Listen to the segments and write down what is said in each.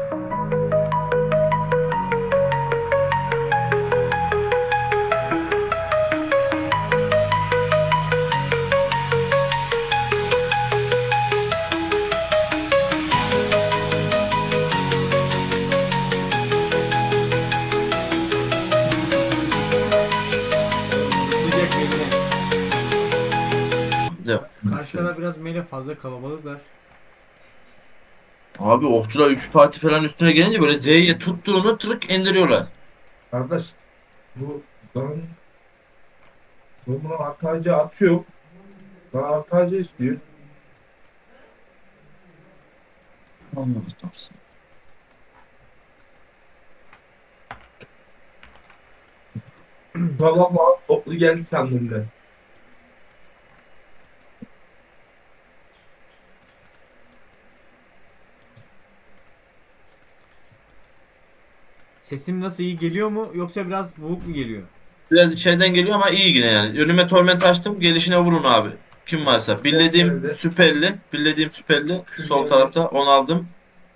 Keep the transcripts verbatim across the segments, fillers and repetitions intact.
Sıcak yerine. Ya. Karşılara biraz mele fazla kalabalıklar. Abi okçular üç parti falan üstüne gelince böyle Z'ye tuttuğunu tırık indiriyorlar. Kardeş bu ben bu buna artı atıyor. Bana artı istiyor. Anladım. Tamam mı? Toplu geldi sandım ben. Sesim nasıl, iyi geliyor mu yoksa biraz boğuk mu geliyor? Biraz içeriden geliyor ama iyi yine yani. Önüme torment açtım. Gelişine vurun abi. Kim varsa. On Billediğim geldi. süperli. Billediğim süperli. Kür Sol geldi. tarafta. Onu aldım.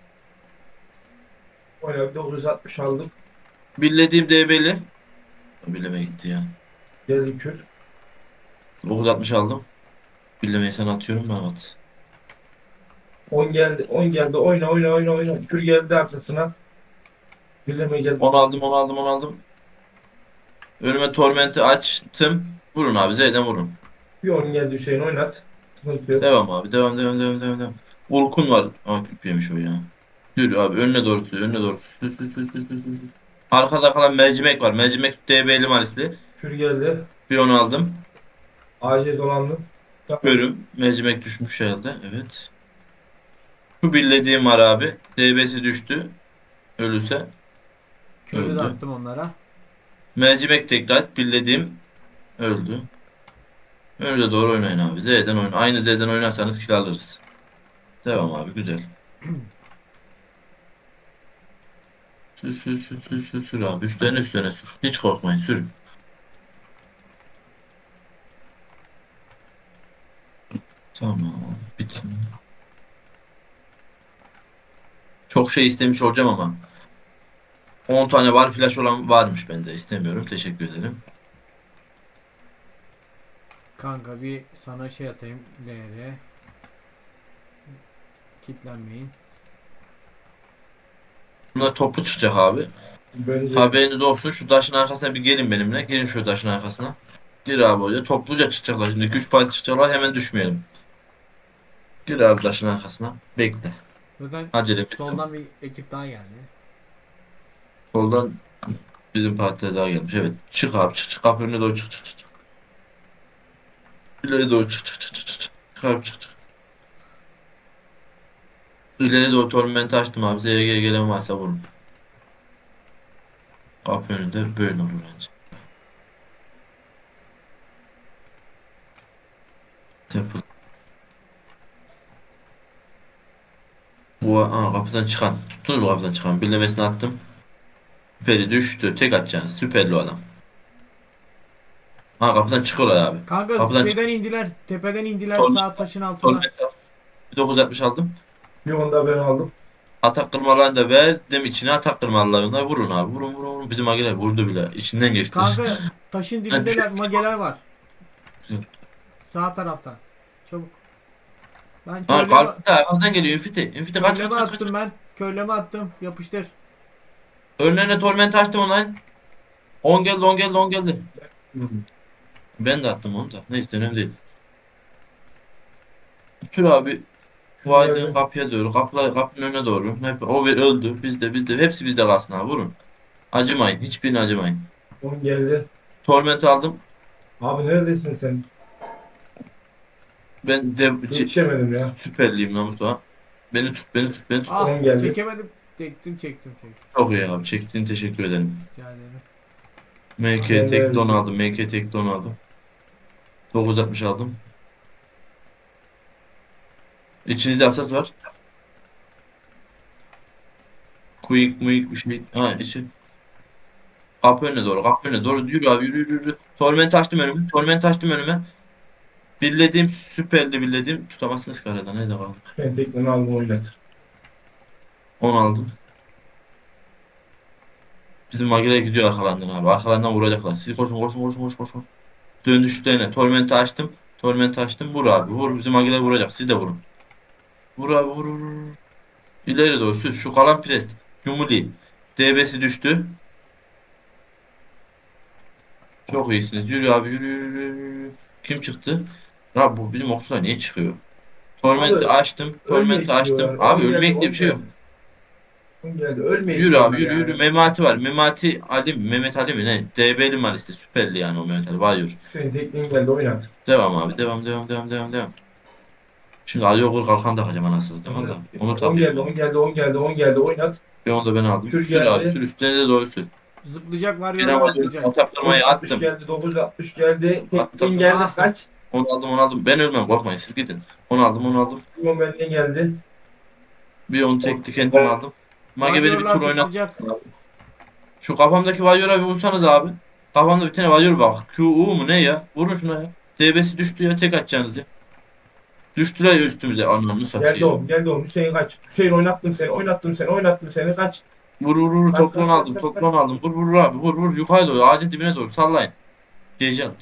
Oyna dokuz yüz altmış aldım. Billediğim D B'li. Billeme gitti ya. Geldi kür. dokuz altmış aldım. Billemeyi sana atıyorum ben at. On geldi. On geldi. Oyna oyna oyna oyna. Kür geldi arkasına. Birleme geldi. Onu aldım onu aldım onu aldım. Önüme tormenti açtım. Vurun abi. Z'den vurun. Bir on geldi Hüseyin oynat. Sıkıntı yok. Devam abi. Devam devam devam devam. devam. Ulkun var. Aa küp yemiş o ya. Yürü abi. Önüne doğru sür. Önüne doğru sür. Sür, sür, sür, sür, sür. Arkada kalan mercimek var. Mercimek D B'li malisli. Kür geldi. Bir onu aldım. A C dolandım. Tamam. Bölüm. Mercimek düşmüş herhalde. Evet. Şu billediğim var abi. D B'si düştü. Ölürse Körü de öldü. attım onlara. Mercimek tekrar billediğim öldü. Önüne doğru oynayın abi. Z'den oyna. Aynı Z'den oynarsanız kill alırız. Devam abi. Güzel. Sür sür sür sür sür sür abi. Üstlerine üstlerine sür. Hiç korkmayın. Sürün. Tamam. Bitin. Çok şey istemiş olacağım ama. on tane var flash olan varmış bende. İstemiyorum. Teşekkür ederim. Kanka bir sana şey atayım. L R. Kitlenmeyin. Bunlar toplu çıkacak abi. Bence Haberiniz olsun. Şu taşın arkasına bir gelin benimle. Gelin şu taşın arkasına. Gir abi oraya. Topluca çıkacaklar şimdi. iki üç parti çıkacaklar. Hemen düşmeyelim. Gir abi taşın arkasına. Bekle. Zaten Acele bir. soldan bir ekip daha geldi. Soldan bizim partiler daha gelmiş. Evet. Çık abi. Çık çık. Kapı önüne doğru çık çık çık. çık. İleri doğru çık çık çık çık. çık. Çık abi çık çık. İleri doğru tormenti açtım abi. Z G gelen varsa vurun. Kapı önünde böyle olur bence. Temple. Bu aa, kapıdan çıkan. Tuttunuz mu kapıdan çıkan? Birlemesine attım. Süperi düştü. Tek atacaksınız. Süperli o adam. Ha kapıdan çıkıyorlar abi. Kanka Kapıdan çık. şeyden indiler. Tepeden indiler Torment, sağ taşın altına. torment al. Bir dokuz altmış aldım. bir on da ben aldım. Atak kırmalarını da verdim içine. Atak kırmalarını vurun abi. Vurun vurun vurun. Bizim agiler vurdu bile. İçinden geçti. Kanka taşın Ha, dibindeler. düşün. Mageler var. Güzel. Sağ taraftan. Çabuk. Ben Ha körleme, kalpte arkadan geliyor. Infiti. Infiti kaç kaç körleme kaç kaç. attım ben. Körleme attım. Yapıştır. Önlerine torment açtım online. on geldi on geldi on geldi. Hı. Ben de attım onu da. Neyse önemli değil. Tür abi. Kür Bu aydın geldi. kapıya doğru. Kapıla, kapının önüne doğru. Hep, o ve- öldü. Bizde bizde. Hepsi bizde kalsın abi. Vurun. Acımayın. Hiçbirine acımayın. on geldi. Torment aldım. Abi neredesin sen? Ben de C- Yetişemedim ya. süperliyim lan Mustafa. Beni tut, beni tut, beni tut. Ah On geldi. çekemedim. Çektim çektim çektim. Çok iyi abi. Çektiğin teşekkür ederim. Rica ederim. M K Ben tek de- don aldım. M K tek don aldım. dokuz altmış aldım. İçinizde asas var. Quick, muik bir şey. Ha içi. Kapı önüne doğru. Kapı önüne doğru. Yürü abi yürü yürü yürü. Torment açtım önüme. Torment açtım önüme. Birlediğim süperli birlediğim. Tutamazsınız karadan. Nerede kaldı? Ben tekrar aldım oynat. on aldım. Bizim Magile gidiyor arkalarından abi. Arkalarından vuracaklar. Siz koşun koşun koşun koşun koşun. Döndüşlerine. Torment'i açtım. Torment'i açtım. Vur abi. Vur. Bizim Magile vuracak. Siz de vurun. Vur abi vur vur. Vur. İleri doğru sür. Şu kalan pres. Cumhuriyet. D B'si düştü. Çok iyisiniz. Yürü abi yürü yürü yürü. Yürü. Kim çıktı? Abi bu bizim okçular niye çıkıyor? Torment'i Abi açtım. ölmeye Torment'i açtım. gidiyorlar. Abi on geldi ölmek diye on bir şey yok. geldi. on geldi. Ölmeye Yürü abi gidiyorlar yürü yürü. yani. Memati var. Memati Ali mi? Mehmet Ali mi ne? D B'li Malis'te. Süperli yani o Mehmet Ali. Var Hüseyin tekniğin geldi oynat. devam abi. Devam devam devam devam devam. Şimdi Ali Okur kalkan takacağım anasını satayım valla. Onu on takayım geldi ben. on geldi on geldi on geldi oynat. Bir onu da ben aldım. Kür Sür abi geldi. sür. Üstüne de doğru sür. Zıplayacak var Bir yola ama zıplayacak. ataktırmayı dokuz altmış attım. geldi dokuz altmış geldi. Attım. Tekniğin geldi Ah. kaç? Onu aldım onu aldım. Ben ölmem korkmayın siz gidin. Onu aldım onu aldım. Limon benden geldi. Bir onu tekli kendim aldım. Mage beni bir Varyorlar tur oynat. zıplayacak. Şu kafamdaki Vayor'a bir vursanız abi. Kafamda bir tane Vayor bak. Q U mu ne ya? Vurun şuna ya. D B'si düştü ya tek atacaksınız ya. Düştüler ya üstümüze. Anlamını Geldi satıyor. oğlum geldi oğlum. Hüseyin kaç. Hüseyin oynattım seni oynattım seni oynattım seni kaç. Vur vur vur. Kaç, Toplan kaç, aldım. kaç, Toplan aldım. Vur vur abi. Vur vur. Yukarı doğru. Ağacın dibine doğru. Sallayın. Gece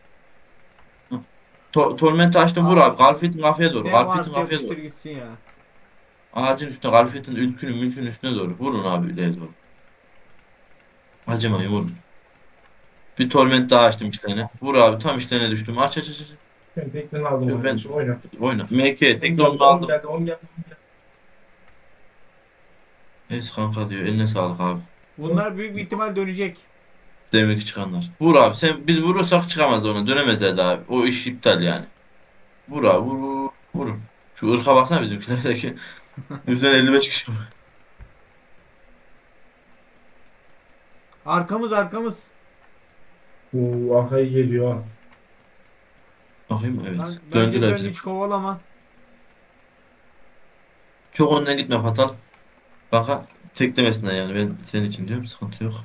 To Torment açtım vur abi. Galfet'in kafaya doğru. Ne Galfet'in varsa kafaya doğru. yapıştır gitsin ya. Ağacın üstüne Galfet'in ülkünün mülkünün üstüne doğru. Vurun abi ileri doğru. Acımayın vurun. Bir torment daha açtım işlerine. Vur abi tam işlerine düştüm. Aç aç aç. aç. Ben tekniğini aldım Yo, ben kardeşim oynat. oyna. M K on tek geldi onu on aldım. geldi on geldi. Es kanka diyor. Eline sağlık abi. Bunlar büyük bir ihtimal dönecek. Demek ki çıkanlar. Vur abi sen biz vurursak çıkamaz ona. Dönemezler daha abi. O iş iptal yani. Vur abi vur vur. Vurun. Şu ırka baksana bizimkilerdeki. Yüzden elli beş kişi var. Arkamız arkamız. Oo arkaya geliyor. ha. Bakayım evet. Lan, bence Döndüler dön bizim. hiç kovalama. Çok önden gitme Fatal. Kanka tek demesinler yani ben senin için diyorum sıkıntı yok.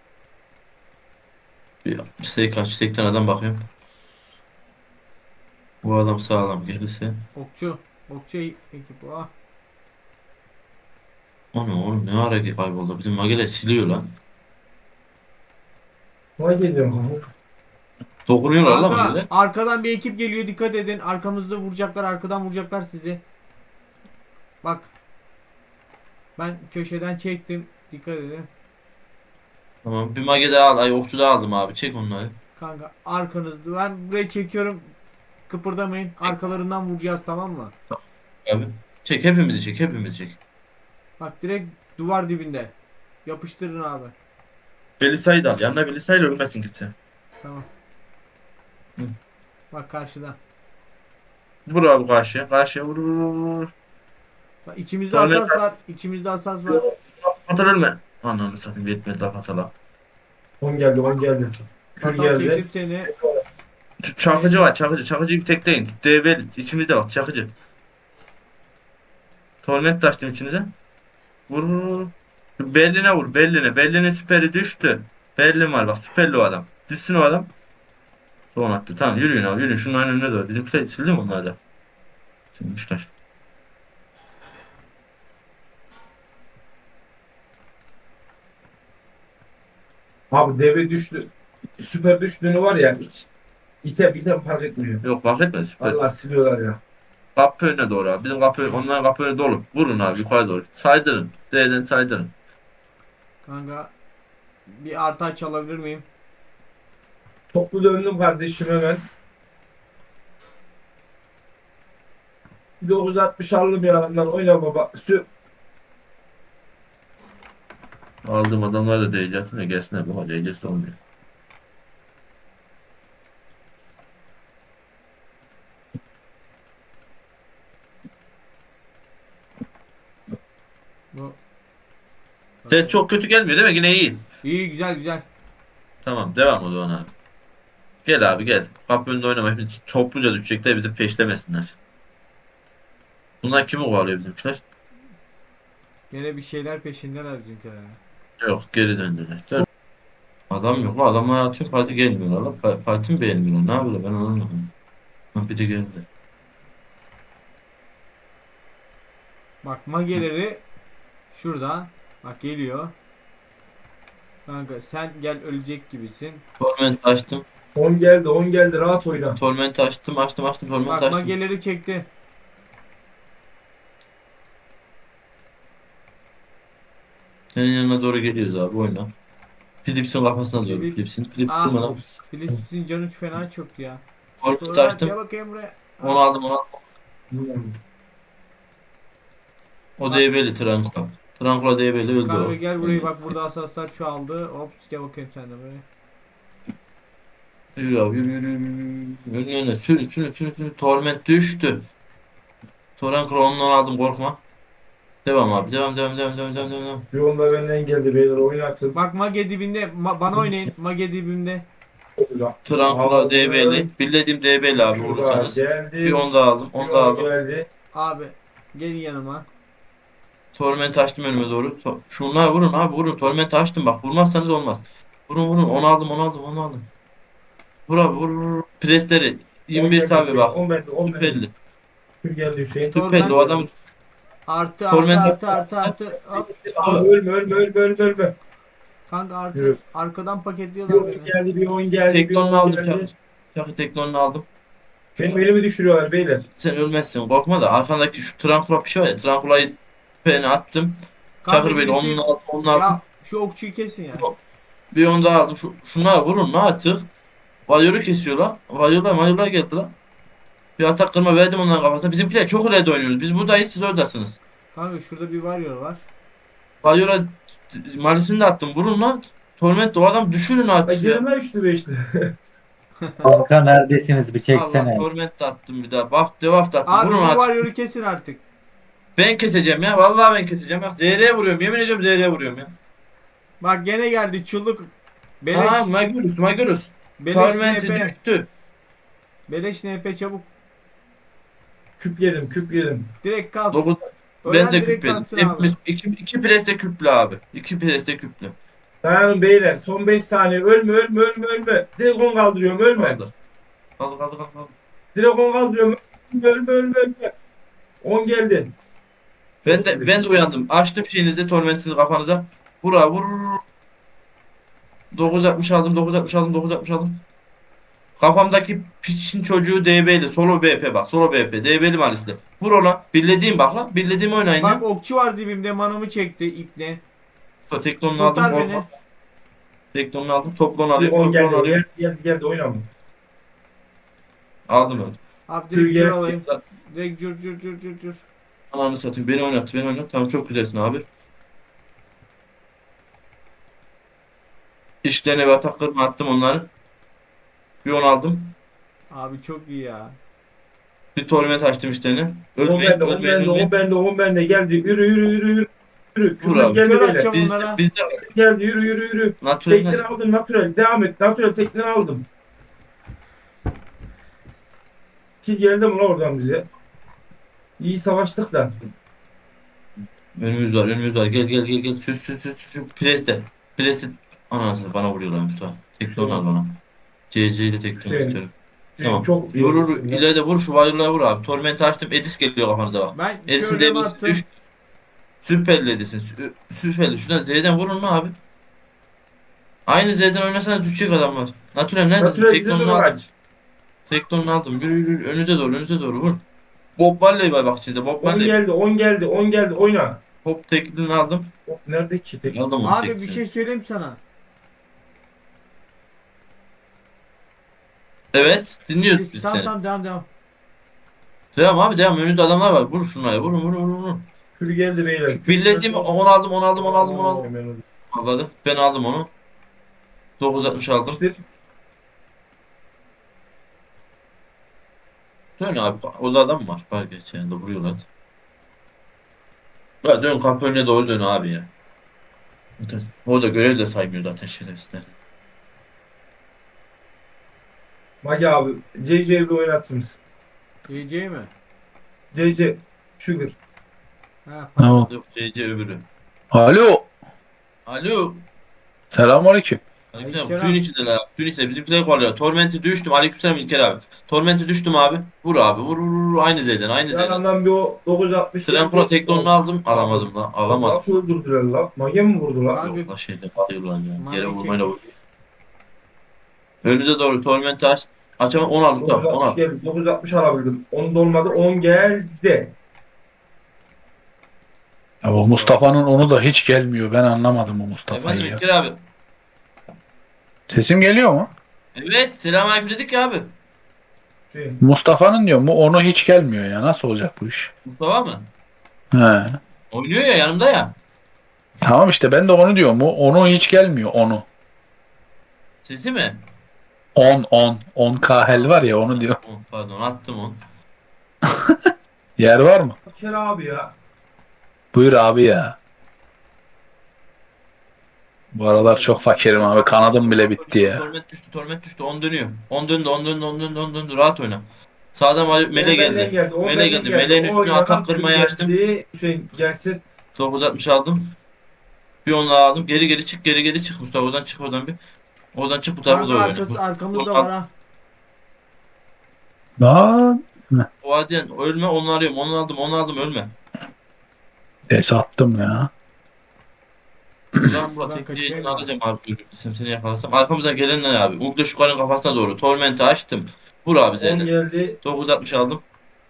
Bir şey kaç sekten adam bakıyorum. Bu adam sağlam gelirse. Okçu. Okçu ekip. Ah. Onu oğlum ne ara ki kayboldu. Bizim Magele siliyor lan. Vay geliyor. ha. Dokunuyorlar lan Kanka Magele. arkadan bir ekip geliyor dikkat edin. Arkamızda vuracaklar arkadan vuracaklar sizi. Bak. Ben köşeden çektim. Dikkat edin. Tamam bir Mage daha al. Ay okçu daha aldım abi. Çek onları. Kanka arkanızda. Ben burayı çekiyorum. Kıpırdamayın. Arkalarından vuracağız tamam mı? Abi. Çek hepimizi çek hepimizi çek. Bak direkt duvar dibinde. Yapıştırın abi. Belisa'yı da al. Yanına Belisa'yla ölmesin kimse. Tamam. Hı. Bak karşıda. Vur abi karşıya. Karşıya vur vur vur. vur. Bak içimizde Sonra- asas var. İçimizde asas var. Fatal ölme. Ananı satayım yetmedi la Fatal'a. on geldi on geldi. Kür Hatta geldi. çektim seni. Ç- Çakıcı var çakıcı. Çakıcıyı bir tekleyin. D B içimizde bak çakıcı. Torment açtım içinize. Vur vur vur. Berlin'e vur. Berlin'e. Berlin'in süperi düştü. Berlin var bak süperli o adam. Düşsün o adam. Son attı. Tamam yürüyün abi yürüyün. Şunların önüne doğru. Bizimkiler sildi mi onlar da? Silmişler. Abi deve düştü. Süper düştüğünü var ya hiç ite biten fark etmiyor. Yok fark etmez süper. Allah siliyorlar ya. Kapı önüne doğru abi. Bizim kapı onların kapı önü dolu. Vurun abi yukarı doğru. Saydırın. D'den saydırın. Kanka bir artı çalabilir miyim? Toplu döndüm kardeşim hemen. dokuz altmış aldım yanından oyna baba. Sü Aldığım adamlar da D C atın ya gelsinler. Bu D C'si olmuyor. Bu. Ses çok kötü gelmiyor değil mi? Yine iyi. İyi güzel güzel. Tamam devam o zaman abi. Gel abi gel. Kapı önünde oynama. Hepimiz topluca düşecekler bizi peşlemesinler. Bunlar kimi kovalıyor bizimkiler? Gene bir şeyler peşindeler bizimkiler. Yok geri döndüler. Dön. Adam yok. Adamlar atıyor. Parti gelmiyorlar. lan. Pa- Parti mi beğenmiyorlar? Ne yapıyorlar? Ben anlamadım. Ha, biri geldi. Bak mageleri şurada. Bak geliyor. Kanka sen gel ölecek gibisin. Torment açtım. on geldi on geldi rahat oyna. Torment açtım açtım açtım torment Bak açtım. mageleri çekti. Senin yanına doğru geliyoruz abi oyna. Philips'in kafasına doğru. Philips. Philips'in. Philips Ah. durma lan. Philips'in canı fena çok ya. Torment Sonra gel açtım. bakayım buraya. Onu aldım onu aldım. Bilmiyorum. O Bak. D B'li Trankula. Trankula D B'li öldü Kanka o. gel buraya bak, burada asaslar çoğaldı. Hops gel bakayım sen de buraya. Yürü abi yürü yürü yürü. Yürü yürü yürü. Sürün sürün sürün sürün. Torment düştü. Trankula ondan aldım korkma. Devam abi devam devam devam devam devam devam. Bir onda benden geldi beyler oynatın. Bak mage dibinde, ma- bana oynayın. Mage dibimde. Çok güzel. Trankula D B'li. Bildiğim D B'li abi Şurada vurursanız. geldi. Bir onu da aldım. Onu da Bir aldım. geldi. Abi gelin yanıma. Torment açtım önüme doğru. To- Şunlar vurun abi vurun. Torment açtım bak. Vurmazsanız olmaz. Vurun vurun. Onu aldım onu aldım onu aldım. Vur abi vur vur. vur. Presleri. yirmi bir abi bak. on bende on bende. Süperli. Bir geldi Hüseyin. Tor- Süperli o adam. Artı artı Torment- artı artı artı. Hop. Abi ölme ölme ölme ölme ölme. Kanka artı. Yürü. Arkadan Bir paketliyorlar on beni. geldi bir on geldi. Bir Teknonunu on aldım. geldi. Çakı, çakı teknonunu aldım. Benim elimi düşürüyorlar beyler. Sen ölmezsin korkma da arkandaki şu Trankula bir şey var ya. Trankula'yı peni attım. Kanka Çakır beni birisi- onun aldım onun aldım. Ya şu okçuyu kesin ya. Bir onu daha aldım. Şu, şunlara vurun ne artık. Varyoru kesiyor lan. Varyorlar varyorlar geldi lan. Bir atak kırma verdim onların kafasına. Bizimkiler çok ileride oynuyoruz. Biz buradayız siz oradasınız. Kanka şurada bir varyor var. Varyora Malisini de attım. Vurun lan. Torment o adam düşürün Ay artık ya. gelme üçlü beşli. Kanka neredesiniz bir Allah çeksene. Torment de attım bir daha. Bak devam da attım. Abi Vurun bu artık. varyoru kesin artık. Ben keseceğim ya. Vallahi ben keseceğim. Bak Z R'ye vuruyorum. Yemin ediyorum Z R'ye vuruyorum ya. Bak gene geldi çulluk. Beleş. Aa Magurus Magurus. Beleş Torment'i N P. düştü. Beleş N P çabuk. Küp yedim küp yedim. Direkt kalk. dokuz. Ölen Ben de direkt küp yedim. kalksın abi. Hepimiz iki, iki preste küplü abi. İki preste küplü. Dayanın beyler son beş saniye ölme ölme ölme ölme. Direkt on kaldırıyorum ölme. Kaldır. Kaldır kaldır kaldır. kaldır. Direkt on kaldırıyorum ölme ölme ölme ölme. on geldi. Ben de ben de uyandım. Açtım şeyinizi tormentinizi kafanıza. Vur abi vur. vur. dokuz altmış aldım dokuz altmış aldım dokuz altmış aldım. Kafamdaki piçin çocuğu D B'li. Solo B P bak. Solo B P. D B'li malisli. Vur ona. Birlediğim bak lan. Birlediğim oynayın Bak ya. okçu var dibimde, manamı çekti ipne. Teknonunu aldım. Kurtar Korkma. beni. Teknonunu aldım. Toplon Bir alıyorum. on Toplon geldi alıyorum. geldi geldi geldi oynama. Aldım öyle. Abi Dur, direkt gel. cür alayım. Direkt cür cür cür cür cür. Ananı satayım. Beni oynattı. Beni oynattı. Tamam çok güzelsin abi. İşlerine ve ataklarımı attım onları. Bir on aldım. Abi çok iyi ya. Bir torment açtım işlerini. on Ölmeyin, bende on ölmeyin, bende ölmeyin. on bende on bende geldi yürü yürü yürü yürü. Yürü. Vur Küpür abi. geldi Kör beyler. atacağım Biz de, onlara. biz de Geldi yürü yürü yürü. natürel Tekleri aldım natürel devam et. Natürel tekleri aldım. Ki geldi mi lan oradan bize? İyi savaştık da. önümüz var, önümüz var. Gel gel gel gel. Süs süs süs şu preste. Preste anasını bana vuruyorlar Mustafa. Tekton al bana. C C ile tekton Şey, istiyorum. Tamam. Çok iyi. Vur vur. İleride vur şu varyola vur abi. Torment açtım. Edis geliyor kafanıza bak. Ben Edis'in körleme devisi attım. düştü. Süperli Edis'in. Sü- Süperli. Şuradan Z'den vurun mu abi? Aynı Z'den oynasanız düşecek adamlar. Natürel neredesin? Natürel bize Tektonunu doğru aldım. aç. Tektonunu aldım. Yürü yürü. yürü. Önünüze doğru. Önünüze doğru vur. Bob Marley var bak içinde. Bob on Marley. geldi on geldi on geldi oyna. Hop teklini aldım. Hop, nerede ki tek? Aldım onu Abi bir teklisini. şey söyleyeyim sana. Evet. Dinliyoruz biz Tamam seni. tamam devam devam. Devam abi devam. Önünde adamlar var. Vur şunlara. Vurun vurun vurun. vurun. Kür geldi beyler. Şu billediğimi onu aldım onu aldım onu aldım onu aldım. Vallahi ben aldım onu. dokuz altmış aldım. İşte Dön abi. Orada adam var. Var geç yani de vuruyorlar. Ya dön kapı önüne doğru dön abi ya. Zaten orada görev de saymıyor zaten şerefsizler. Magi abi C C'yi bir oynatır mısın? C C mi? C C Sugar. Ha, Tamam. Yok C C öbürü. Alo. Alo. Selamünaleyküm. Aleykümselam. Aleykümselam. Suyun içindeler abi. Suyun içinde. Bizimkiler kovalıyor. Torment'i düştüm. Aleykümselam İlker abi. Torment'i düştüm abi. Vur abi. Vur vur vur. Aynı Z'den. Aynı Z'den. Yanından bir o dokuz altmış. Trenkula teknonunu aldım. Alamadım lan. Alamadım. Nasıl öldürdüler lan? Mage mi vurdu lan? Kanka- Yok la şeyle değil lan ya. Mavi Yere çek- vurmayla vur. Önünüze doğru Torment'i aç. Açamam. on al Mustafa. on dokuz altmış al. geldi. dokuz altmış alabildim. on dolmadı. on geldi. Ya bu Mustafa'nın onu da hiç gelmiyor. Ben anlamadım bu Mustafa'yı Efendim ya. İlker abi. Sesim geliyor mu? Evet. Selamünaleyküm dedik ya abi. Şey, Mustafa'nın diyor mu? Onu hiç gelmiyor ya. Nasıl olacak bu iş? Mustafa mı? He. Oynuyor ya yanımda ya. Tamam işte ben de onu diyorum. Bu onu hiç gelmiyor onu. Sesi mi? on on on K hel var ya onu diyor. On, pardon attım on. Yer var mı? Ker abi ya. Buyur abi ya. Bu aralar çok fakirim abi. Kanadım bile bitti ya. Torment düştü, torment düştü. on dönüyor. on döndü, on döndü, on döndü, on döndü. Rahat oyna. Sağdan mele On benden geldi. on Mele benden geldi. Meleğin üstüne Oynadan atak kırmayı geldi. açtım. Hüseyin gelsin. dokuz altmış aldım. Bir onu daha aldım. Geri geri çık, geri geri çık Mustafa. Oradan çık oradan bir. Oradan çık bu tarafa Kanka doğru arkası, oyna. arkamızda var ha. Lan. O adiyen ölme, onu arıyorum. Onu aldım, onu aldım, ölme. Neyse attım ya. Lan Murat, Ben tek kaçayım yayını abi. alacağım abi. Görürsün seni yakalasam. Arkamızdan gelenler abi. Umutlu Şukar'ın kafasına doğru. Torment'i açtım. Vur abi on Z'den. geldi. dokuz altmış aldım.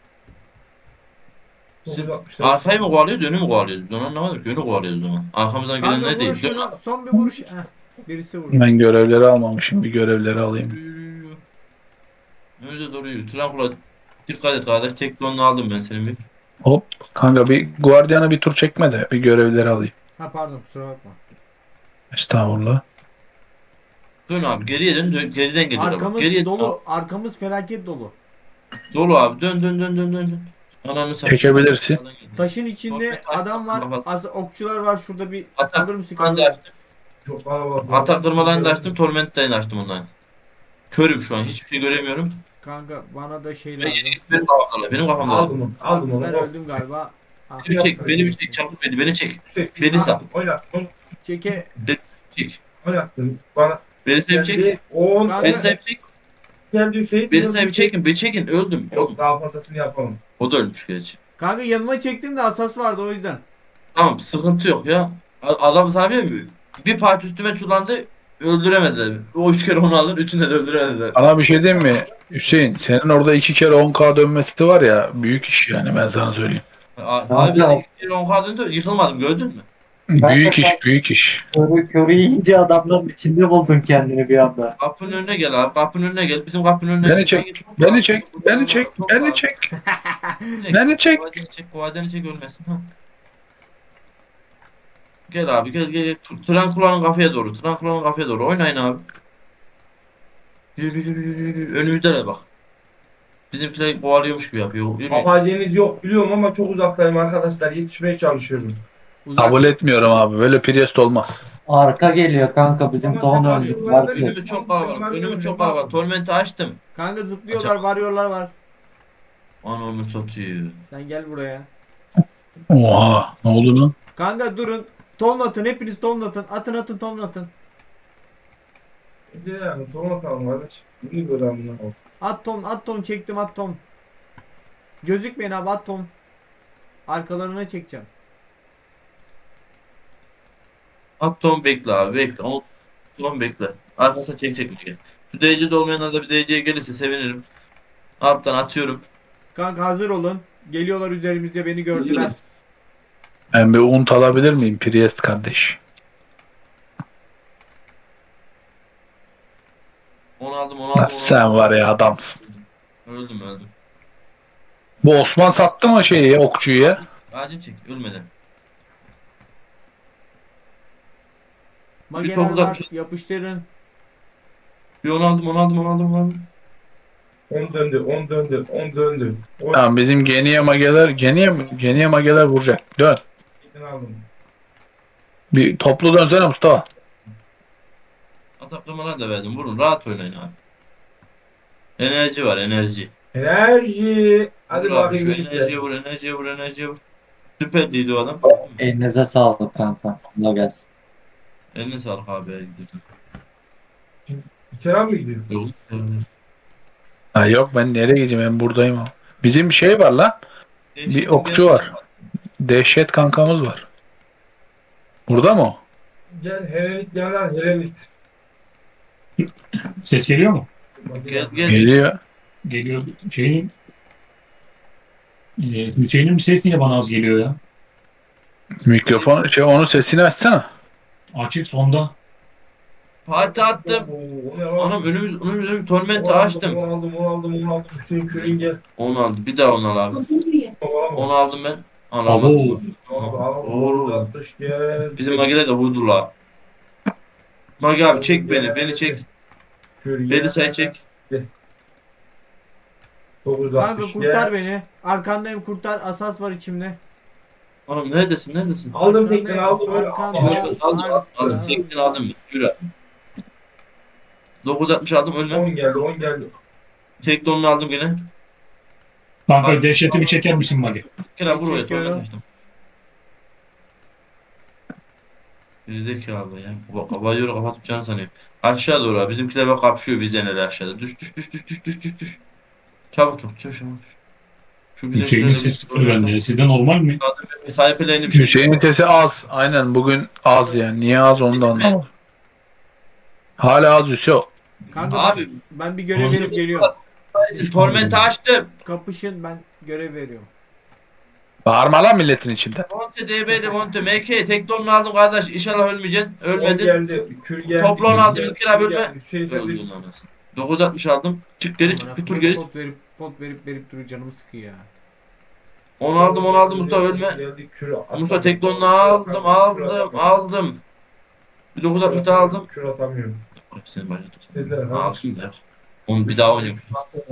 Siz dokuz altmış. arkayı mı kovalıyoruz, önü mü kovalıyoruz? Ben anlamadım ki önü kovalıyoruz o zaman. Arkamızdan gelen Kanka ne vur değil? Dön şunu. abi. Son bir vuruş. Heh, birisi vurdu. Ben görevleri almamışım. Bir görevleri alayım. Yürü, yürü, yürü. Önce doğru yürü. Trankula dikkat et kardeş. Teknonunu aldım ben senin bir. Hop. Kanka bir Guardian'a bir tur çekme de bir görevleri alayım. Ha pardon kusura bakma. Estağfurullah. Dön abi geriye dön. dön. Geriden geliyor abi. Arkamız Geriye dolu. Arkamız felaket dolu. Dolu abi. Dön dön dön dön dön. dön. Ananı satayım. Çekebilirsin. Taşın içinde adam var. Az okçular var. Şurada bir Atak alır mısın Ben de kanka? açtım. Çok kalabalık. Atak kırmalarını da açtım. Torment'ten açtım ondan. Körüm şu an. Hiçbir şey göremiyorum. Kanka bana da şey Ve lazım. yeni benim kafamda. Benim kafamda. Aldım onu. Aldım onu. Ben öldüm galiba. Ah, Beni bir çek. Beni bir çek. Çabuk beni. Beni çek. Hüseyin, Beni sal. Oynat. Oynat. Çeke. Beni çek. Oynattın. Bana Beni sahip çek. geldi. on Kanka- Beni sahip çek. geldi Hüseyin. Beni sahip çekin. Beni çekin. Öldüm. Yok Öldüm. daha fazlasını yapalım. O da ölmüş gerçi. Kanka yanıma çektim de asas vardı o yüzden. Tamam sıkıntı yok ya. A- Adam sana bir mi? Bir parti üstüme çullandı. Öldüremediler. O üç kere onu aldın. Üçünü de öldüremediler. Bana bir şey diyeyim mi? Hüseyin senin orada iki kere on K dönmesi var ya büyük iş yani ben sana söyleyeyim. A- Ne Abi ben yapıyor? iki kere on K döndü. Yıkılmadım gördün mü? Ben Büyük de iş sen- büyük iş. Körü körü yiyince adamların içinde buldun kendini bir anda. Kapının önüne gel abi. Kapının önüne gel. Bizim kapının önüne Beni gel. çek, beni çek, beni çek, beni çek. Beni çek. Kovadeni çek. Kovadeni çek ölmesin. Ha. Gel abi gel gel. gel. Trankula'nın kafaya doğru. Trankula'nın kafaya doğru. Oynayın abi. Yürü yürü yürü yürü. Önümüzde bak. Bizimkiler kovalıyormuş gibi yapıyor. Yürü. Papacığınız yok biliyorum ama çok uzaktayım arkadaşlar. Yetişmeye çalışıyorum. Uzak. Kabul etmiyorum abi. Böyle Priest olmaz. Arka geliyor kanka bizim Ama ton sen öldü. var ya, Var ki. Önümüz çok kalabalık. Önümüz çok kalabalık. Torment'i açtım. Kanka zıplıyorlar, varıyorlar var. Anamı satıyor. Sen gel buraya. Oha. Ne oldu lan? Kanka durun. Tonlatın, hepiniz tonlatın. Atın atın tonlatın. Bir de yani ton atalım kardeş. İyi böyle amına koyayım. At ton, at ton çektim at ton. Gözükmeyin abi at ton. Arkalarına çekeceğim. At Tom bekle abi bekle. O Tom bekle. Arkasına çekecek bir şey. Şu D C'de olmayanlar da bir D C'ye gelirse sevinirim. Alttan atıyorum. Kanka hazır olun. Geliyorlar üzerimize, beni gördüler. Ben bir unt alabilir miyim Priest kardeş? Onu aldım onu Lan aldım. Onu sen aldım. var ya adamsın. Öldüm öldüm. Bu Osman sattı mı şeyi okçuyu ya? Acil çek ölmeden. Mageler topu da var, bir şey- yapıştırın. Bir onu aldım onu aldım onu aldım. Onu aldım. on döndü, on döndü, on döndü. on Tamam bizim geniye mageler geniye geniye mageler vuracak. Dön. aldım. Bir toplu dönsene Mustafa. Ataklamalar da verdim. Vurun rahat oynayın abi. Enerji var enerji. Enerji. Hadi Vur abi, bakayım şu işte. enerjiye vur enerjiye vur enerjiye vur. Süperliydi o adam. Elinize sağlık kanka. Allah gelsin. Eline sağlık abi. her gidiyorsun. Kerem mi gidiyor? Yok. Ha yok ben nereye gideceğim ben buradayım ama. Bizim bir şey var lan. Bir okçu var. Dehşet kankamız var. Burada mı o? Gel Helenit gel lan Helenit. Ses geliyor mu? Gel gel. Geliyor. Geliyor. Şeyin e, Hüseyin'in ses niye bana az geliyor ya? Mikrofon şey onun sesini açsana. Açık sonda. Fatih attım. Oo, o ne lan? Anam önümüz önümüz önümüz tormenti Onu aldım, açtım. Onu aldım, onu aldım, onu aldım. Hüseyin köyün gel. Onu aldım. Bir daha onu al abi. Onu Onu aldım ben. Abo. Alamadım. aldım. Oğlum. altmış gel. Bizim Magi'de de vurdu la. Magi abi çek beni. Beni çek. Köyün Beni gel. sen çek. dokuz Kanka altmış kurtar gel. beni. Arkandayım kurtar. Asas var içimde. Anam neredesin neredesin? Aldım tekten aldım. öyle. Arkandayım. Aldım aldım aldım. Tekten aldım. Yürü. dokuz altmış aldım ölme. on geldi, on geldi. Tek donunu aldım gene. Kanka dehşetimi çeker misin Magi? Kira vur oraya Çekiyorum. torment açtım. Gerizekalı ya. Bak kabayı kapatıp canı sanıyor. Aşağı doğru abi. Bizimkiler bak kapışıyor bizden öyle aşağıda. Düş düş düş düş düş düş düş düş. Çabuk yok. Çabuk çabuk. Şu Hüseyin'in sesi sıfır bende. Sizde normal mi? Sahiplerini bir şey. Hüseyin'in sesi az. Aynen bugün az yani. Niye az onu da anlamadım. Hala az Hüseyin. Kanka Abi. ben, ben bir görev Nasıl- verip geliyorum. Tormenti açtım. Kapışın ben görev veriyorum. Bağırma lan milletin içinde. Monte D B'li Monte M K tek donunu aldım kardeş. İnşallah ölmeyeceksin. on Ölmedin. geldi. Kül geldi. Topla onu kül aldım, geldi, bir kere kül bölme. geldi. Hüseyin sen bir Öldün anasını. dokuz altmış aldım. Çık geri çık bir tur geri. çık. Pot verip pot verip verip duruyor canımı sıkıyor ya. Onu aldım onu aldım Mustafa ölme. Geldi, kül at- Mustafa tek donunu aldım aldım aldım. Bir dokuz altmış daha aldım. Kül atamıyorum. Hepsini başa tut. Dediler, ha. Alsın da. Onu bir daha oynuyorum.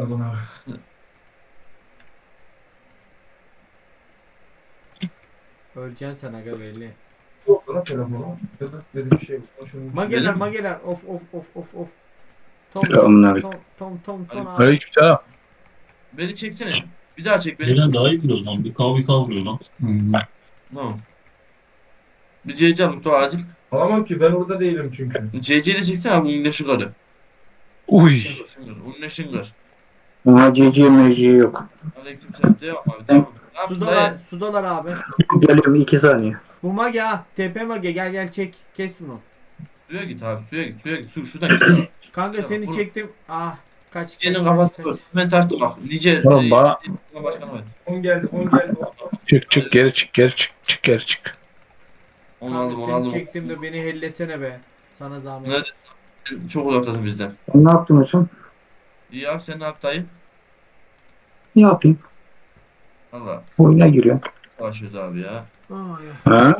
Öleceksin sen aga belli. Yok lan telefonu. Dedim, dedim bir şey yok. Şunu- Mageler Benim- mageler of of of of of. Tom Selamünaleyküm. tom tom tom tom abi. Aleykümselam. Beni çeksene. Bir daha çek beni. Gelen daha iyi biliyoruz lan. Bir kav bir kav vuruyor lan. Hmm. Tamam. Bir C C al Mustafa acil. Alamam ki ben orada değilim çünkü. C C'yi de çeksene abi. Unne şıkarı. Uy. Unne şıngır. Ama cici meciği yok. Aleyküm selam. Devam abi devam. Ne yaptın Sudalar, dayı? sudalar abi. Geliyorum iki saniye. Bu mage ha. T P mage gel gel çek. Kes bunu. Suya git abi suya git suya git. Su şuradan git. Kanka Tamam, seni vur. çektim. Ah kaç kaç Nice'nin kaç, kafası kaç. dur. Ben tarttım bak. Nice. Oğlum e, bana- Başkanı var. on geldi, on geldi. Çık çık geri çık geri çık çık geri çık. Onu Kanka aldım onu seni aldım. çektim de beni hellesene be. Sana zahmet. Nerede? Çok uzaktasın bizden. Ne yaptın hocam? İyi abi sen ne yaptın dayı? Ne yapayım? Valla Oyuna giriyorum. savaşıyoruz abi ya. Ay, Ha?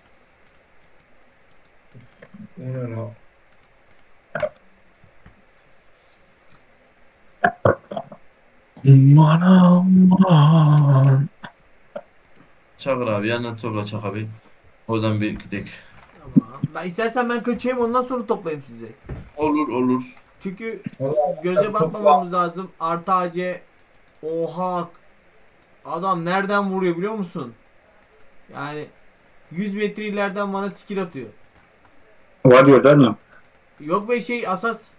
O ne lan? Aman aman. Çakır abi yanına topla Çak abi. Oradan bir gidelim. aman. Ben istersen ben kaçayım ondan sonra toplayayım sizi. Olur olur. Çünkü Vallahi göze topla. batmamamız lazım. Artı A C. Oha. Adam nereden vuruyor biliyor musun? Yani yüz metre ileriden bana skill atıyor. Var diyorlar mı? Yok be şey asas.